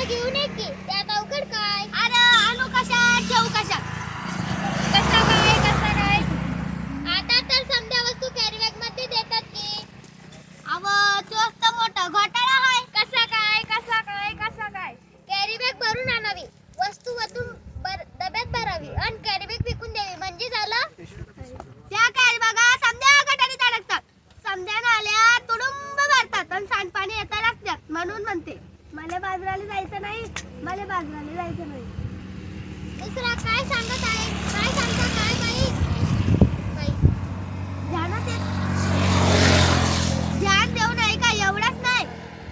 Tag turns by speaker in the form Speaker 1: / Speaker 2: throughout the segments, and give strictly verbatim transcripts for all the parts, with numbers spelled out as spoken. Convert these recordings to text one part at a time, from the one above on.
Speaker 1: घेऊन ये की त्यात अवघड काय.
Speaker 2: अरे आणू कशात ठेवू कशात.
Speaker 1: कसा काय कसा काय आता तर समजा वस्तू कॅरी बॅग मध्ये देतात की.
Speaker 2: अव तोच तर मोठा घोटाळा आहे.
Speaker 1: कसा काय कसा काय कसा काय कॅरी बॅग भरून आणावी, वस्तू वतून डब्यात भरावी आणि कॅरी बॅग फेकून द्यावी म्हणजे झालं.
Speaker 2: त्या कॅरी बॅगा समद्या गटारीत अडकतात, समद्या नाल्या तुडुंब भरतात आणि सांडपाणी येता लागतात. म्हणून म्हणते मला बाजाराला जायचं नाही, मला बाजाराला जायचं नाही.
Speaker 1: दुसरा काय सांगत आहे, काय सांगता काय बाई. बाई
Speaker 2: ध्यानात येत ध्यान देऊ नये का एवढंच नाही.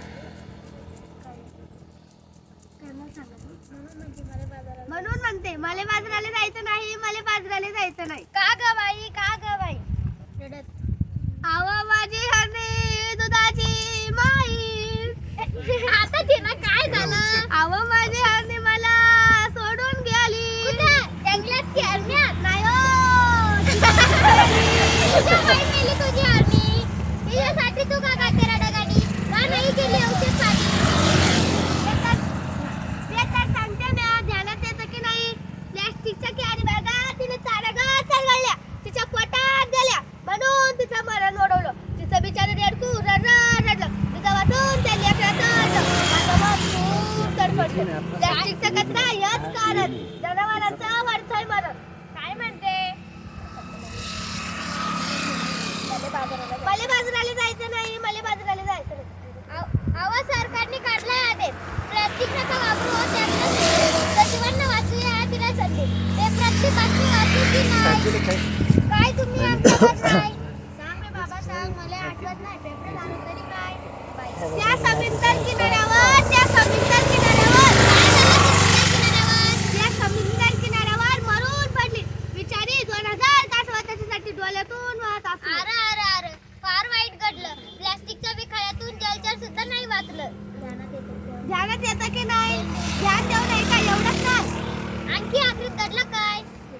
Speaker 2: म्हणून म्हणते मला बाजाराला जायचं नाही, मला बाजाराला जायचं नाही.
Speaker 1: का ग बाई का ग बाई रडत.
Speaker 2: आवा माझी हरणी दुधाची माई.
Speaker 1: आता तिला काय झालं.
Speaker 2: आवा माझी हरणी मला सोडून गेली.
Speaker 1: कुठं जंगलात की अरण्यात.
Speaker 2: नाही हो
Speaker 1: तुझ्या बाई मेली तुझी हरणी, तिच्यासाठी तू का काढते रडागाडी, का नाही केली औषध पाणी.
Speaker 2: ते तर सांगते ना, ध्यानात येतं की नाही. प्लॅस्टिकच्या कॅरी बॅगा तिने चारागा चालवल्या, तिच्या पोटात गेल्या म्हणून तिचं मरण ओढवलं. तिचं बिचारे रेडकू रडलं रडलं, तिचं वाटून त्या लेकराचं आता मग खूप तडफडलं. प्लॅस्टिकचा कचरा हेच कारण जनावरांचं वरचढ मरण.
Speaker 1: काय म्हणते.
Speaker 2: मला बाजाराला जायचं नाही, मला बाजाराला जायचं नाही.
Speaker 1: आवा सरकारने काढलाय आदेश, प्लास्टिक नका वापरू, त्यातलं सजीवांना वाचूया तिला संधी. ते प्रत्येक बातमी वाचू की नाही. काय तुम्ही आमच्यावर नाही. सांग रे बाबा सांग, मला आठवत नाही. पेपर झालं तरी काय.
Speaker 2: त्या समुद्र किनाऱ्यावर त्या समुद्र किनाऱ्यावर त्या समुद्र किनाऱ्यावर मरून पडली बिचारी. दोन हजार तास त्याच्यासाठी डोळ्यातून वाहत असतो.
Speaker 1: अरे अरे अरे फार वाईट घडलं. प्लास्टिकच्या विखळ्यातून जलचर सुद्धा नाही वाचलं.
Speaker 2: ध्यानात येतं की नाही. ध्यान देऊ नये का एवढंच नाही.
Speaker 1: आणखी आखरीत घडलं काय.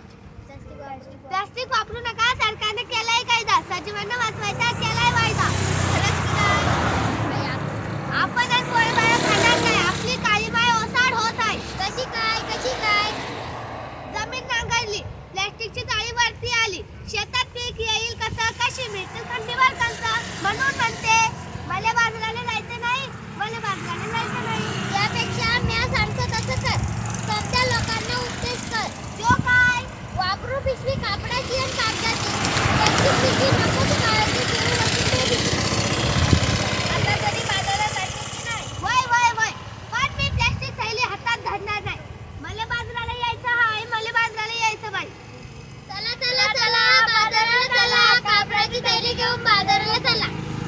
Speaker 2: प्लास्टिक वापरू नका, सरकारने केलाय कायदा. सजीवांना वाचवायचा केलाय वायदा. खरंच की नाही. आपण आज गोळीबार खाणार नाही, आपली काळी माय ओसाड होत आहे.
Speaker 1: कशी काय कशी काय.
Speaker 2: जमीन नांगरली, प्लॅस्टिकची जाळी वरती आली, शेतात पीक येईल कसं, कशी मिळतील थंडीवर कसं. म्हणून म्हणते मला बाजाराला जायचं नाही, मला बाजाराला जायचं नाही.
Speaker 1: यापेक्षा म्या सांगतो तसं कर. सध्या लोकांना उपदेश कर.
Speaker 2: तो काय.
Speaker 1: वापरू पिशवी कापडाची आणि कागदाची. प्लास्टिक पिशवी नको ती काळाची घेऊन वस्तू दे.
Speaker 2: आता तरी बाजारात जायचं की नाही. वय वय वय पण मी प्लॅस्टिक थैली हातात धरणार नाही. मला बाजाराला यायचं हाय, मला बाजाराला यायचं बाई.
Speaker 1: चला चला चला बाजाराला चला, कापडाची थैली घेऊन बाजाराला चला.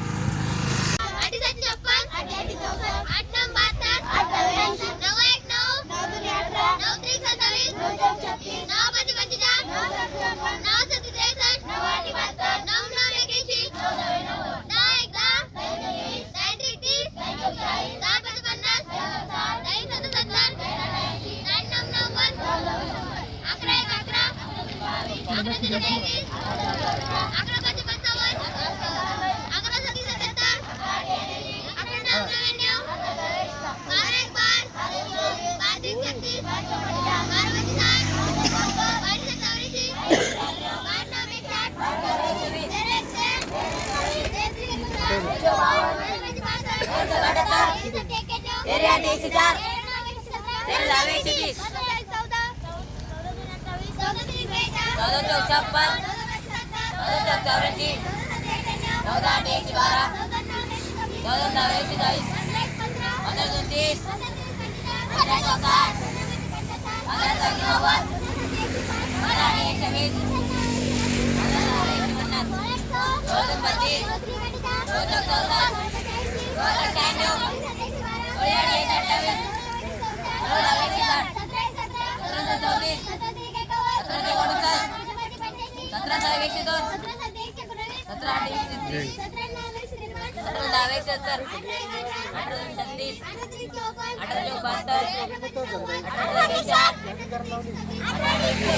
Speaker 1: आठ सात छप्पन, आठ नऊ बहात्तर, नऊ एक नऊ, नऊ त्रिक सत्तावीस, नऊ पाच पंचेचाळ, नऊ सत्ती त्रेसष्ट, नऊ नऊ एक्याऐंशी, दहा एक दहा, दहा त्रिक तीस, दहा पाच पन्नास, दहा एक सत्तर सत्तर, दहा नऊ नव्वद, अकरा एक अकरा, अकरा तीन एकवीस, अकरा पाच पंचावन्न, अकरा सत्ती सत्याहत्तर, अकरा नऊ नव्याण्णव, बारा एक बार, बारा त्रिक छत्तीस, बारा पंचे साठ, बारा सात चौऱ्याऐंशी, बारा नऊ एकसाठ, तेरा एक साठ, तेरा त्रिक एकोणसाठ, बारा पंचे पासष्ट, तेरा सत्ते एक्क्याण्णव, तेरा आठ एकशे चार, तेरा दहा एकशे तीस, चौदा, चौदा दोन अठ्ठावीस, चौदा तीन बेचाळीस, चौदा चौक छप्पन, चौदा चौक चौऱ्याऐंशी, चौदा आठ एकशे बारा, चौदा नऊ एकशे चाळीस, पंधरा दोन तीस, पंधरा चौक साठ, पंधरा चौक नव्वद, पंधरा आठ एकशे वीस, पंधरा दहा एकशे पन्नास, सोळा दोन पंचवीस, सोळा चौक चौसष्ट, सोळा शहाण्णव, सोळा आठ एकशे अठ्ठावीस, सोळा दहा एकशे साठ, सतरा चौतीस, सतरा एकोणसाठ, सतरा सहा एकशे दोन, सतरा आठ एकशे तीस, सतरा दहा एकशे सत्तर, अठरा दोन छत्तीस, अठरा चौक बहात्तर, अठरा एकशे आठ, अठरा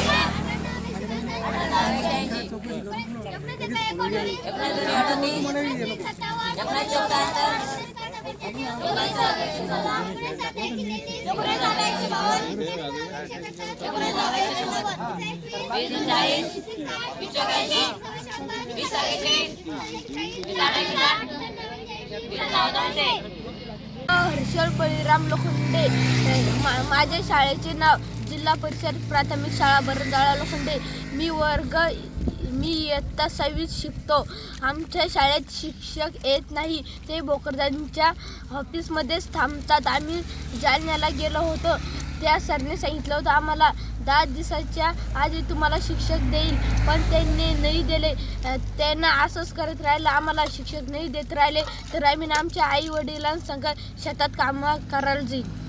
Speaker 1: दहा एकशे ऐंशी, एकोणीस दोन अडतीस, एकोणीस चौक सत्तर, एकोणीस
Speaker 2: हर्षल बळीराम लोखंडे. मा- माझ्या शाळेचे नाव जिल्हा परिषद प्राथमिक शाळा बरंजाळा लोखंडे. मी वर्ग मी इयत्ता सहावीत शिकतो. आमच्या शाळेत शिक्षक येत नाही, ते भोकरदांच्या ऑफिसमध्येच थांबतात. आम्ही जालन्याला गेलो होतो. त्या सरने सांगितलं होतं आम्हाला दहा दिवसाच्या आधी तुम्हाला शिक्षक देईल, पण त्यांनी नाही दिले. त्यांना असंच करत राहिलं, आम्हाला शिक्षक नाही देत राहिले तर आम्ही आमच्या आई वडिलांसंग शेतात कामं करायला जाईल.